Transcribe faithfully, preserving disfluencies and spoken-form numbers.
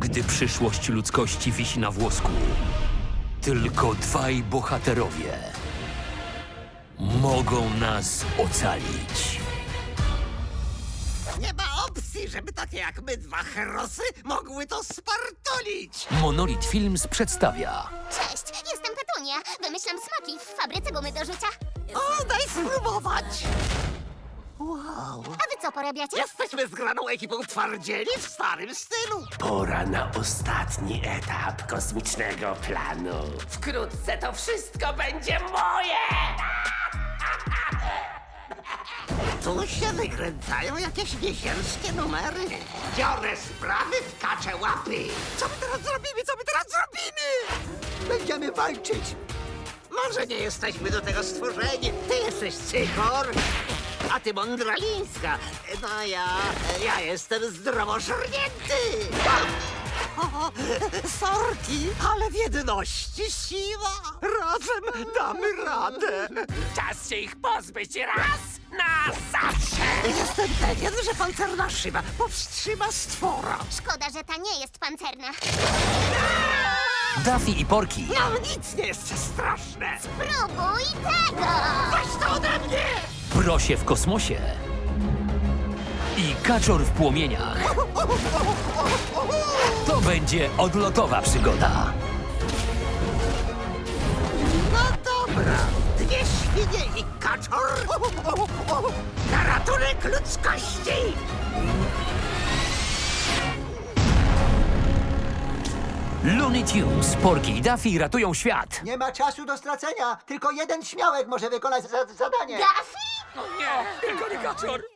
gdy przyszłość ludzkości wisi na włosku. Tylko dwaj bohaterowie mogą nas ocalić. Nie ma opcji, żeby takie jak my dwa herosy mogły to spartolić! Monolith Films przedstawia Cześć, jestem Petunia. Wymyślam smaki w fabryce gumy do rzucia. O, daj spróbować! Wow! A wy co porabiacie? Jesteśmy zgraną ekipą twardzieli w starym stylu! Pora na ostatni etap kosmicznego planu. Wkrótce to wszystko będzie moje! Tu się wykręcają jakieś miesięczne numery. Biorę sprawy w kacze łapy. Co my teraz zrobimy? Co my teraz zrobimy? Będziemy walczyć. Może nie jesteśmy do tego stworzeni. Ty jesteś Cychor, a ty Mądralińska. No ja, ja jestem zdrowożernięty. O, sorki, ale w jedności siła. Razem damy radę. Czas się ich pozbyć raz na zawsze! Jestem pewien, że pancerna szyba powstrzyma stwora. Szkoda, że ta nie jest pancerna. Daffy i Porky. Nam nic nie jest straszne. Próbuj tego! Weź to ode mnie! Prosie w kosmosie i Kaczor w płomieniach. To będzie odlotowa przygoda. No dobra, dwie świnie i kaczor na ratunek ludzkości! Looney Tunes, Porky i Daffy ratują świat. Nie ma czasu do stracenia. Tylko jeden śmiałek może wykonać za zadanie. Daffy? Nie, tylko nie Kaczor.